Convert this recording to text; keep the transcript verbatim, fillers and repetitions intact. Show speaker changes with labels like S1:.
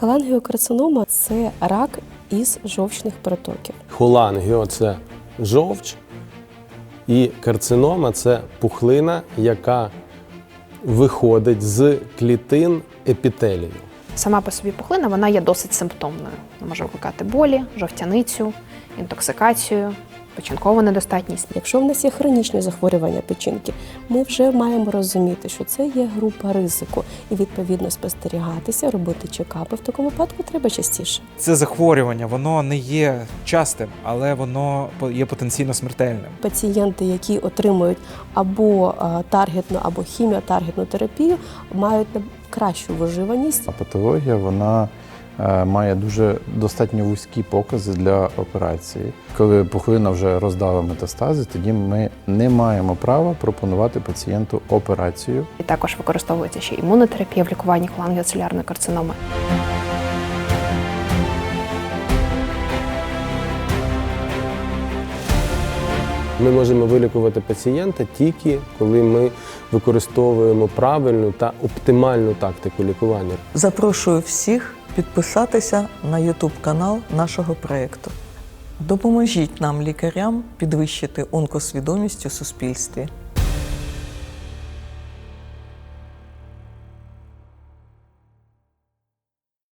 S1: Холангіокарцинома – це рак із жовчних протоків.
S2: Холангіо – це жовч, і карцинома – це пухлина, яка виходить з клітин епітелію.
S3: Сама по собі пухлина, вона є досить симптомною. Вона може викликати болі, жовтяницю, інтоксикацію, печінкову недостатність.
S1: Якщо в нас є хронічні захворювання печінки, ми вже маємо розуміти, що це є група ризику і, відповідно, спостерігатися, робити чекапи. В такому випадку треба частіше.
S4: Це захворювання, воно не є частим, але воно є потенційно смертельним.
S1: Пацієнти, які отримують або таргетну, або хіміотаргетну терапію, мають кращу виживаність.
S5: А патологія, вона має дуже достатньо вузькі покази для операції. Коли пухлина вже роздала метастази, тоді ми не маємо права пропонувати пацієнту операцію.
S3: І також використовується ще імунотерапія в лікуванні холангіоцелярної карциноми.
S2: Ми можемо вилікувати пацієнта тільки, коли ми використовуємо правильну та оптимальну тактику лікування.
S6: Запрошую всіх підписатися на ютуб-канал нашого проєкту. Допоможіть нам, лікарям, підвищити онкосвідомість у суспільстві.